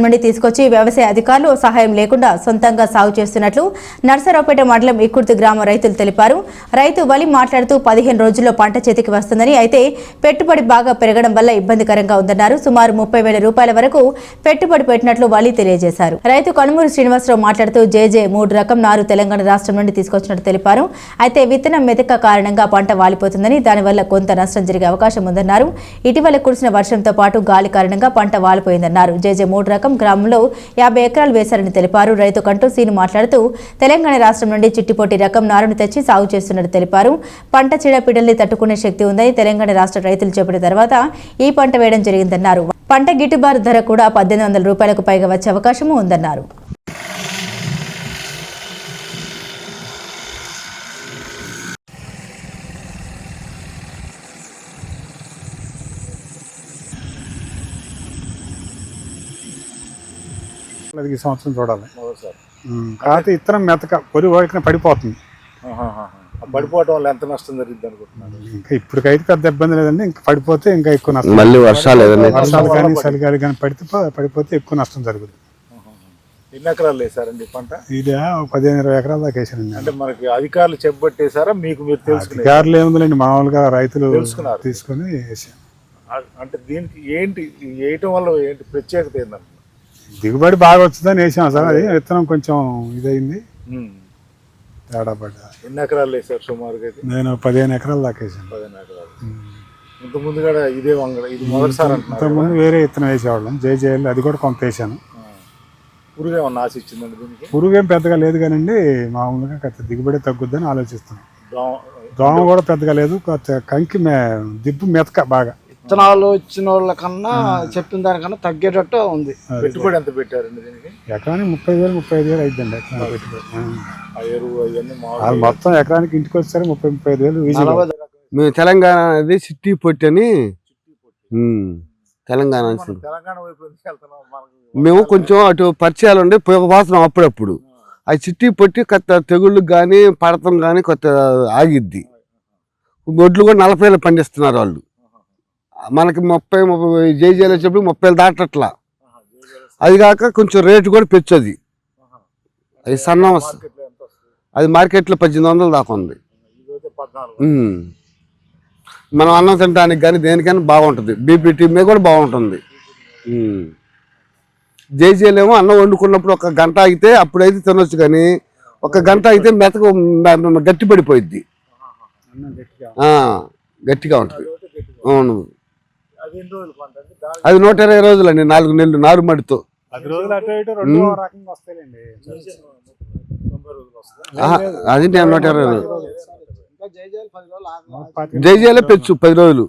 నుండి తీసుకొచ్చి వ్యవసాయ అధికారులు సహాయం లేకుండా సొంతంగా సాగు చేస్తున్నట్లు నర్సరావుపేట మండలం ఇక్కుర్తి గ్రామ రైతులు తెలిపారు. రైతు వలి మాట్లాడుతూ 15 రోజుల్లో పంట చేతికి వస్తుందని, అయితే పెట్టుబడి బాగా పెరగడం వల్ల ఇబ్బందికరంగా ఉందన్నారు. సుమారు 30,000 రూపాయల వరకు పెట్టుబడి పెట్టినట్లు వలి తెలియజేశారు. రైతు కనుమూరు శ్రీనివాసరావు మాట్లాడుతూ జేజే 3 రకం నారు తెలంగాణ రాష్ట్రం నుండి తీసుకొచ్చినట్టు తెలిపారు. అయితే విత్తనం మెతక కారణంగా పంట వాలిపోతుందని, దానివల్ల కొంత నష్టం జరిగే అవకాశం ఉందన్నారు. ఇటీవల కురిసిన వర్షంతో పాటు గాలి కారణంగా పంట వాలిపోయిందన్నారు. జేజే 3 రకం గ్రామంలో 50 ఎకరాలు వేశారని తెలిపారు. రైతు కంటూ సీను మాట్లాడుతూ తెలంగాణ రాష్ట్రం నుండి చిట్టిపోటి రకం నారును తెచ్చి సాగు చేస్తున్నట్టు తెలిపారు. పంట చీడపీడల్ని తట్టుకునే శక్తి ఉందని తెలంగాణ రాష్ట్ర రైతులు చెప్పిన తర్వాత ఈ పంట వేయడం జరిగిందన్నారు. పంట గిట్టుబాటు ధర కూడా 1800 రూపాయలకు పైగా వచ్చే అవకాశం ఉందన్నారు. ఈ సంవత్సరం చూడాలి. కాకపోతే ఇత్తనం మెతక పొలి వాడికి పడిపోతుంది. పడిపోవడం వల్ల ఎంత నష్టం జరిగింది అనుకుంటున్నాను? ఇంకా ఇప్పటికైతే పెద్ద ఇబ్బంది లేదండి. ఇంకా పడిపోతే ఇంకా ఎక్కువ నష్టం. మళ్ళీ వర్షాలు కానీ చలిగాలి కానీ పడిపోతే ఎక్కువ నష్టం జరుగుతుంది. ఎన్ని ఎకరాలు వేసారండి పంట? ఇది 15-20 ఎకరాల దాకా వేసానండి. అంటే మనకి అధికారులు చెప్పబట్టేసారా? మీకు మీరు తెలుసు? అధికారులు ఏముందండి, మామూలుగా రైతులు తీసుకొని వేసాను. అంటే దీనికి ఏంటి వేయటం వల్ల ఏంటి ప్రత్యేకత ఏంటంటే దిగుబడి బాగా వచ్చిందని వేసాం సార్. అది విత్తనం కొంచెం ఇదైంది, తేడా పడ్డా. ఎన్ని ఎకరాలు వేసారు సుమారుగా? నేను 15 ఎకరాల దాకా వేసాను. 15 ఎకరాలు. ఇంతకుముందు కూడా ఇదే వంగడ, ఇది మొదటిసారి అంటున్నారు? ఇంతకుముందు వేరే విత్తనం వేసేవాళ్ళం, జేజేఎల్, అది కూడా కొంత వేసాను. పురుగు ఏమన్నా ఆశ ఇచ్చిందండి దీనికి? పురుగు ఏం పెద్దగా లేదు కానండి, మామూలుగా దిగుబడి తగ్గుద్దని ఆలోచిస్తున్నాం. దోమ కూడా పెద్దగా లేదు, కంకి దిబ్బు మెతక బాగా. విత్తనాలు ఇచ్చిన వాళ్ళ కన్నా చెప్పిన దానికన్నా తగ్గేటట్టు ఉంది. పెట్టుబడి ఎంత పెట్టారండి దీనికి? ఎకరానికి 30,000-35,000 అయిద్దండి ఎకరానికి పెట్టుబడి. మొత్తం ఎకరానికి ఇంటికి వచ్చారు 30,000-35,000. మేము తెలంగాణ అది చిట్టి పొట్టి అని తెలంగాణ మేము కొంచెం అటు పరిచయాలు ఉండి పోతున్నాం అప్పుడప్పుడు. అది చిట్టి పొట్టి కొత్త తెగుళ్ళు కానీ పడతం కానీ కొత్త ఆగిద్ది. గొడ్లు కూడా 40,000 పండిస్తున్నారు వాళ్ళు. మనకి 30 జేజేలు వచ్చేప్పుడు 30,000 దాటట్లా. అది కాక కొంచెం రేటు కూడా పెంచది. అది సన్నం, అది మార్కెట్లో 1800 దాకా ఉంది. మనం అన్నం తినడానికి కానీ దేనికైనా బాగుంటుంది. బీపీటీ మీద కూడా బాగుంటుంది. జేజేలు ఏమో అన్నం వండుకున్నప్పుడు 1 గంట ఆగితే అప్పుడైతే తినొచ్చు, కానీ 1 గంట అయితే మెతక గట్టి పడిపోయిద్ది, గట్టిగా ఉంటుంది. అవును, అది 120 రోజులు అండి, 4 నెలలు నారుమడితో. అది నేను 120 రోజులు. జైజేలే పెంచు 10 రోజులు.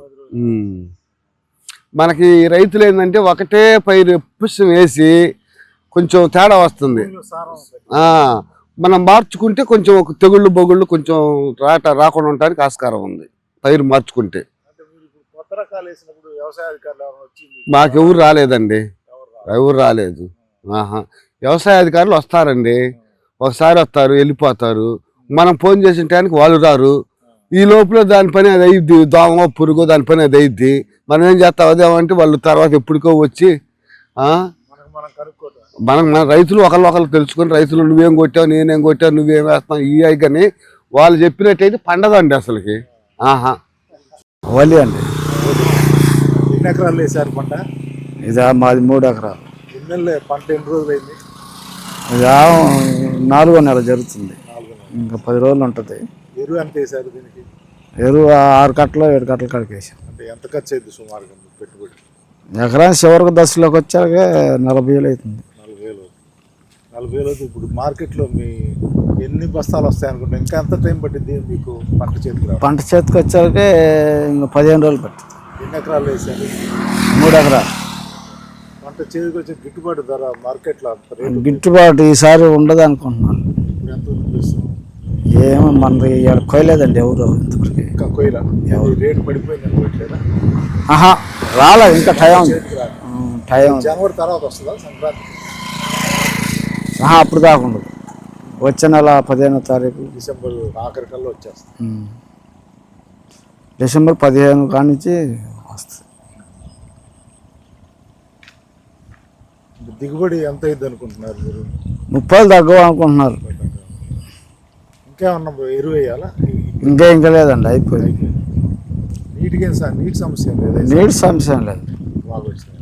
మనకి రైతులు ఏంటంటే ఒకటే పైరు పుష్పం వేసి కొంచెం తేడా వస్తుంది. మనం మార్చుకుంటే కొంచెం ఒక తెగుళ్ళు బొగుళ్ళు కొంచెం రాకుండా ఉండడానికి ఆస్కారం ఉంది పైరు మార్చుకుంటే. మాకెవరు రాలేదండి, ఎవరు రాలేదు. వ్యవసాయ అధికారులు వస్తారండి, ఒకసారి వస్తారు వెళ్ళిపోతారు. మనం ఫోన్ చేసిన టైంకి వాళ్ళు రారు. ఈ లోపల దాని పని అది అయ్యిద్ది, దోమ పురుగు దాని పని అది అయ్యిద్ది. మనం ఏం చేస్తాం అదేమంటే వాళ్ళు తర్వాత ఎప్పటికో వచ్చి మన రైతులు ఒకళ్ళు తెలుసుకొని, రైతులు నువ్వేం కొట్టావు నేనేం కొట్టావు నువ్వేం వేస్తావు ఇవి కానీ వాళ్ళు చెప్పినట్టయితే పండదండి అసలుకి. వలి అండి. ఎన్ని ఎకరాలు వేసారు పంట? ఇది మాది 3 ఎకరాలు. పంట ఎన్ని రోజులు అయింది? ఇది 4వ నెల జరుగుతుంది, ఇంకా 10 రోజులు ఉంటుంది. ఎరువు ఎంత వేసారు దీనికి? ఎరువు 6 కట్టలు 7 కట్టలు కడికి వేసాం. అంటే ఎంత ఖర్చు అయింది సుమారుగా పెట్టుబడి? ఎకరానికి చివరికి దశలోకి వచ్చాక 40,000 అవుతుంది. 40,000 ఇప్పుడు మార్కెట్లో మీ ఎన్ని బస్తాలు వస్తాయి అనుకుంటే ఇంకా ఎంత టైం పట్టింది మీకు పంట చేతికి రావాలి? పంట చేతికి వచ్చాక ఇంకా 15 రోజులు పట్టింది. ఎన్ని ఎకరాలు వేసారు? 3 ఎకరాలు. పంట చేతికి వచ్చే గిట్టుబాటు ధర మార్కెట్లో గిట్టుబాటు ఈసారి ఉండదు అనుకుంటున్నాను. ఇప్పుడు ఎంత ఉంది? ఏమో మనది కొయ్యలేదండి ఎవరు ఇంతవరకు. ఇంకా కొయ్యలా? రేటు పడిపోయింది అనుకోవట్లేదా? రాలే, ఇంకా టైం జనవరి తర్వాత వస్తుందా సంక్రాంతి? అప్పుడు దాకా ఉండదు, వచ్చే నెల 15వ తారీఖు డిసెంబర్ ఆఖరి కల్లా వచ్చేస్తుంది. డిసెంబర్ 15 కానించి వస్తుంది. దిగుబడి ఎంత అయింది అనుకుంటున్నారు మీరు? 30 తగ్గవు అనుకుంటున్నారు. ఇంకేమన్నా ఎరువు వేయాలా? ఇంకా లేదండి, అయిపోయింది. నీటి సమస్య లేదా? నీటి సమస్య ఏం లేదు. బాగా వచ్చింది.